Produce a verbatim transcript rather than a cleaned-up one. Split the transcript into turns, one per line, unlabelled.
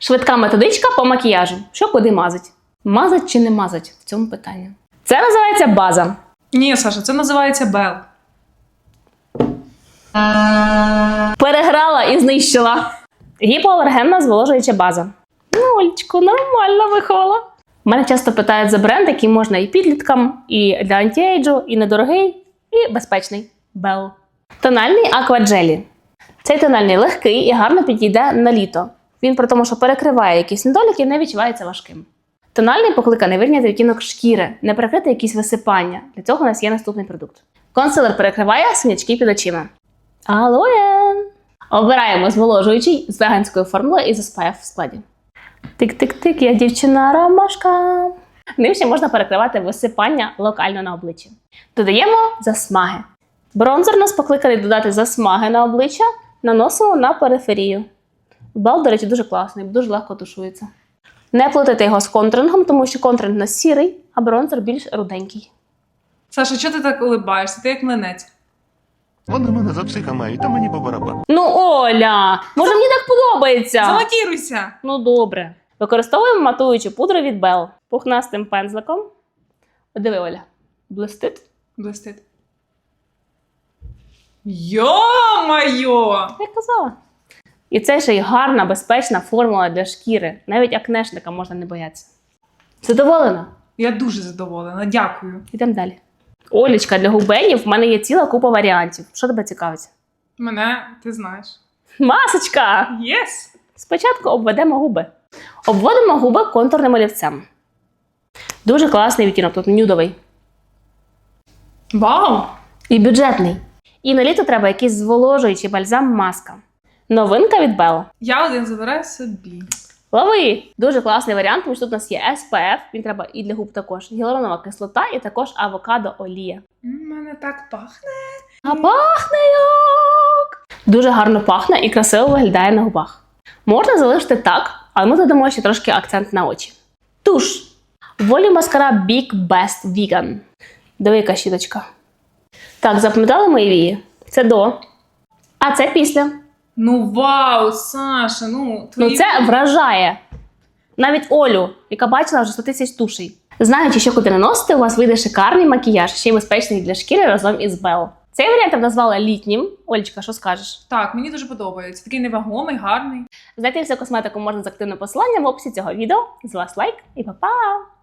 Швидка методичка по макіяжу. Що куди мазать? Мазать чи не мазать? В цьому питанні. Це називається база.
Ні, Саша, це називається Бел.
Переграла і знищила. Гіпоалергенна зволожуюча база. Ну, Олечко, нормально виховала. Мене часто питають за бренд, який можна і підліткам, і для антіейджу, і недорогий, і безпечний. Бел. Тональний акваджелі. Цей тональний легкий і гарно підійде на літо. Він при тому, що перекриває якісь недоліки, не відчувається важким. Тональний покликаний вирівняти відтінок шкіри, не перекрити якісь висипання. Для цього у нас є наступний продукт. Консилер перекриває синячки під очима. Алоє! Обираємо зволожуючий з веганською формулою і з ес пе еф в складі. Тик-тик-тик, я дівчина-ромашка. Ним ще можна перекривати висипання локально на обличчі. Додаємо засмаги. Бронзер нас покликаний додати засмаги на обличчя, наносимо на периферію. Бел, до речі, дуже класний, дуже легко тушується. Не плутайте його з контурингом, тому що контуринг у нас сірий, а бронзер більш руденький.
Саша, чого ти так улибаєшся? Ти як млинець.
Вони мене за психа мають, та мені по барабану.
Ну, Оля, може мені так подобається?
Залатіруйся!
Ну, добре. Використовуємо матуючу пудру від Бел. Пухнастим пензликом. Диви, Оля, блистить.
Блистить. Йо-майо!
Я казала. І це ще й гарна, безпечна формула для шкіри. Навіть акнешника можна не боятися. Задоволена?
Я дуже задоволена, дякую.
Йдемо далі. Олечка, для губенів в мене є ціла купа варіантів. Що тебе цікавить?
Мене, ти знаєш.
Масочка!
Єс!
Спочатку обведемо губи. Обводимо губи контурним олівцем. Дуже класний відтінок, тут нюдовий.
Вау!
І бюджетний. І на літо треба якийсь зволожуючий бальзам-маска. Новинка від Bell.
Я один забираю собі.
Лови! Дуже класний варіант, тому що тут у нас є ес пе еф, він треба і для губ також. Гіалуронова кислота і також авокадо-олія.
У мене так пахне.
А пахне як! Дуже гарно пахне і красиво виглядає на губах. Можна залишити так, але ми додамо ще трошки акцент на очі. Туш. Волі маскара Big Best Vegan. Диви, яка щіточка. Так, запам'ятали мої вії? Це до. А це після.
Ну вау, Саша, ну твої...
Ну це вражає. Навіть Олю, яка бачила вже сто тисяч тушей. Знаючи, що куди наносити, у вас вийде шикарний макіяж, ще й безпечний для шкіри разом із Bell. Цей варіант я б назвала літнім. Олечка, що скажеш?
Так, мені дуже подобається. Такий невагомий, гарний.
Знайти всю косметику можна з активним посиланням в описі цього відео. З вас лайк і па-па!